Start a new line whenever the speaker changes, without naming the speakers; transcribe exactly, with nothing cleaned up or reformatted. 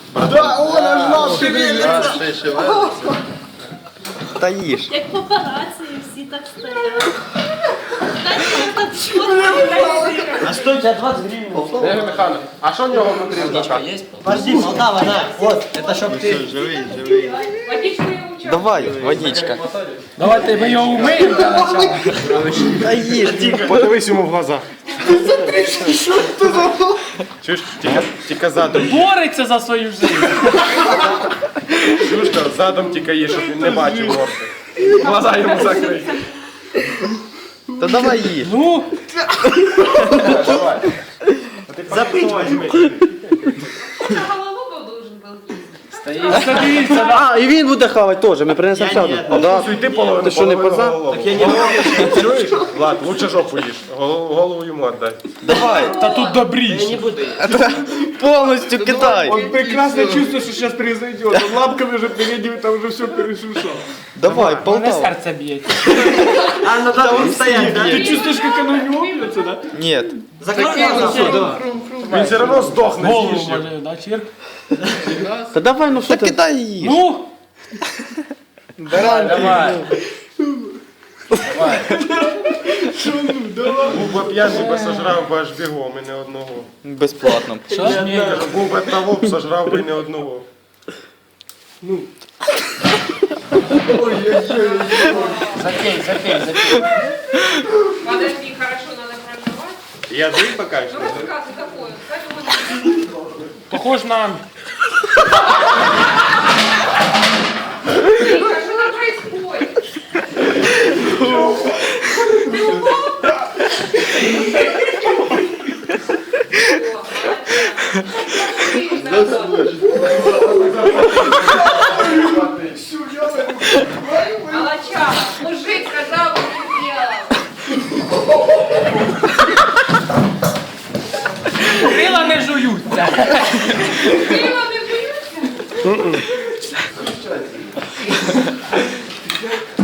Да, он аж наш шевелится.
Та їж.
Як папараці, всі так стоять. Знаєте, як так чорно.
А что у тебя двадцать гривен?
Ігор Михайлович, а що в нього внутрі в душах?
Подожди, Полтава, на, вот, это чтоб ты...
Живий, живий. Давай, водичка.
Давайте ми його умиємо для начала.
Та їж, тільки.
Подивись йому в глаза. Чуєш, тільки, тільки задом.
Бореться за свою життя.
Чушка, задом тільки є, щоб він не бачив морди. Глаза йому закрий.
Та давай їж.
Ну,
Давай.
Запить возьми.
Голову должен был есть.
дивіться, да.
А, і він буде хавати теж, ми принесемо ще одну.
ні.
Да.
Ти половину,
Ти що, не
половину
поза?
голову.
Так я не могу.
Чуєш? Влад, лучше жопу їж. Голову, голову йому отдай.
Давай.
Та тут
Я
добріше.
не буду.
Повністю кидай.
Он прекрасно чувствует, что сейчас произойдет. Он лапками уже передними, там уже все перешушал.
Давай,
Мене
Полтава.
серце б'ється.
А, ну да, он стоять, да?
Ты чувствуешь, как оно не лопнется, да?
Ні.
Закрой глаза, все, да.
Он все равно сдохнет.
Голову
съешь его.
може, да, чирк.
Та давай, ну що
Та
ти?
кидай і їж.
Ну,
Давай. Був би п'яний, би сожрав би аж бігом і не одного.
Безплатно.
що ж ні?
Кажу, був би того, б сожрав би не одного.
Запей, запей, запей.
Подожди, хорошо, надо промывать.
Язык покажешь?
Ну рассказывай такое. Кстати, вот
Похож на...
Тихо, что там происходит? Ты упал? Молодчага, мужик сказал, что не сделал.
Крила не жуються.
Крила не жуются?